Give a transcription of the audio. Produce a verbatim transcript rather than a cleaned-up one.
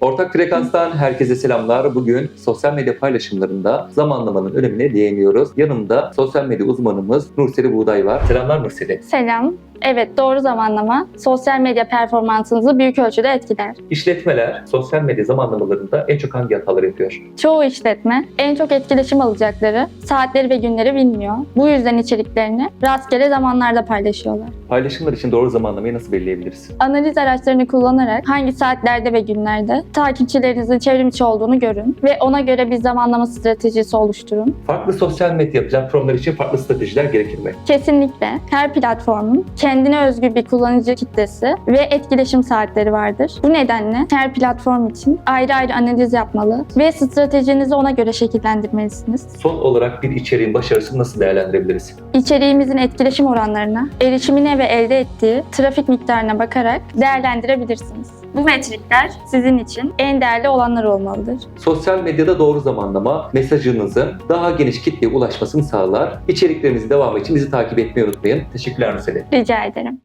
Ortak Frekans'tan herkese selamlar. Bugün sosyal medya paylaşımlarında zamanlamanın önemine değiniyoruz. Yanımda sosyal medya uzmanımız Nurseli Buğday var. Selamlar Nurseli. Selam. Evet, doğru zamanlama sosyal medya performansınızı büyük ölçüde etkiler. İşletmeler sosyal medya zamanlamalarında en çok hangi hataları yapıyor? Çoğu işletme en çok etkileşim alacakları saatleri ve günleri bilmiyor. Bu yüzden içeriklerini rastgele zamanlarda paylaşıyorlar. Paylaşımlar için doğru zamanlamayı nasıl belirleyebiliriz? Analiz araçlarını kullanarak hangi saatlerde ve günlerde takipçilerinizin çevrim içi olduğunu görün ve ona göre bir zamanlama stratejisi oluşturun. Farklı sosyal medya platformları için farklı stratejiler gerekir mi? Kesinlikle her platformun kendine özgü bir kullanıcı kitlesi ve etkileşim saatleri vardır. Bu nedenle her platform için ayrı ayrı analiz yapmalı ve stratejinizi ona göre şekillendirmelisiniz. Son olarak bir içeriğin başarısını nasıl değerlendirebiliriz? İçeriğimizin etkileşim oranlarına, erişimine ve elde ettiği trafik miktarına bakarak değerlendirebilirsiniz. Bu metrikler sizin için en değerli olanlar olmalıdır. Sosyal medyada doğru zamanlama mesajınızın daha geniş kitleye ulaşmasını sağlar. İçeriklerimizin devamı için bizi takip etmeyi unutmayın. Teşekkürler Nurseli. Rica ederim.